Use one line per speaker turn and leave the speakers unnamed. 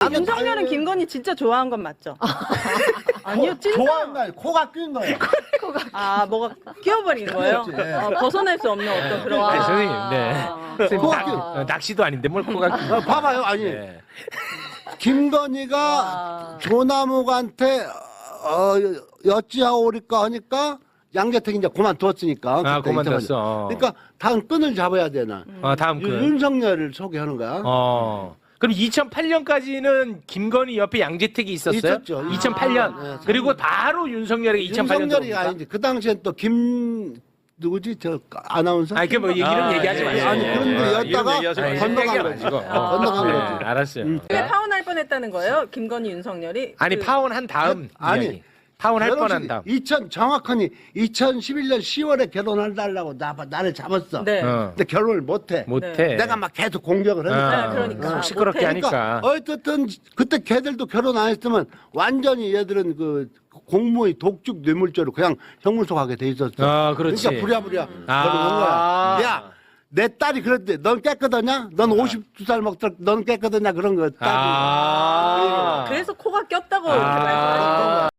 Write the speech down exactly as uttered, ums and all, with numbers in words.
윤석열은 김건희 진짜 좋아한 건 맞죠? 아니요, 찐
좋아한 거 아니고 코가 낀 거예요.
아, 뭐가 끼어버린 거예요?
그렇지.
어, 벗어날 수 없는 어떤 그런.
아니,
아.
선생님, 네. 선생님,
코가
낚- 어, 낚시도 아닌데 뭘 코가 끼-
어, 봐봐요. 아니
네.
김건희가
와.
조남욱한테 어, 여찌하오리까 하니까 양재택 이제 그만두었으니까.
아,
그때
그만뒀어.
이태원. 그러니까 다음 끈을 잡아야 되나.
어, 다음
유-
그.
윤석열을 소개하는 거야.
어. 그럼 이천팔 년까지는 김건희 옆에 양재택이 있었어요?
있었죠.
이천팔 년.
아, 네.
그리고 바로 윤석열이 이천팔 년도.
윤석열이 아닌데 그 당시엔 또 김 누구지 저 아나운서?
아니, 그뭐 얘기는
아,
얘기하지
예,
마세요.
아니
예,
그런
예.
거
아,
였다가
이름 얘기하지 마세요.
건너간
얘기하지
거지.
마시고.
어, 건너간
네,
거지.
알았어요.
음.
왜 파혼할 뻔했다는 거예요? 김건희, 윤석열이?
아니
그-
파혼한 다음
아니,
이야기. 파혼할 뻔한 다음.
이천 정확하니 이천십일 년 시월에 결혼한다고 나 나를 잡았어.
네.
어.
근데 결혼을 못해.
못해.
내가 막 계속 공격을 하니까.
네, 그러니까.
어, 시끄럽게
못해.
하니까.
어쨌든 그때 걔들도 결혼 안 했으면 완전히 얘들은 그 공무의 독직 뇌물죄로 그냥 형무소 가게 돼 있었어.
아, 그렇지.
그러니까 부랴부랴
아.
결혼한 거야. 야, 내 딸이 그랬대. 넌 깨끗하냐? 넌 오십두 살 먹더라. 넌 깨끗하냐? 그런 거 딸이.
아.
그래서 코가 꼈다고
아.
이렇게 말씀하신 거예요.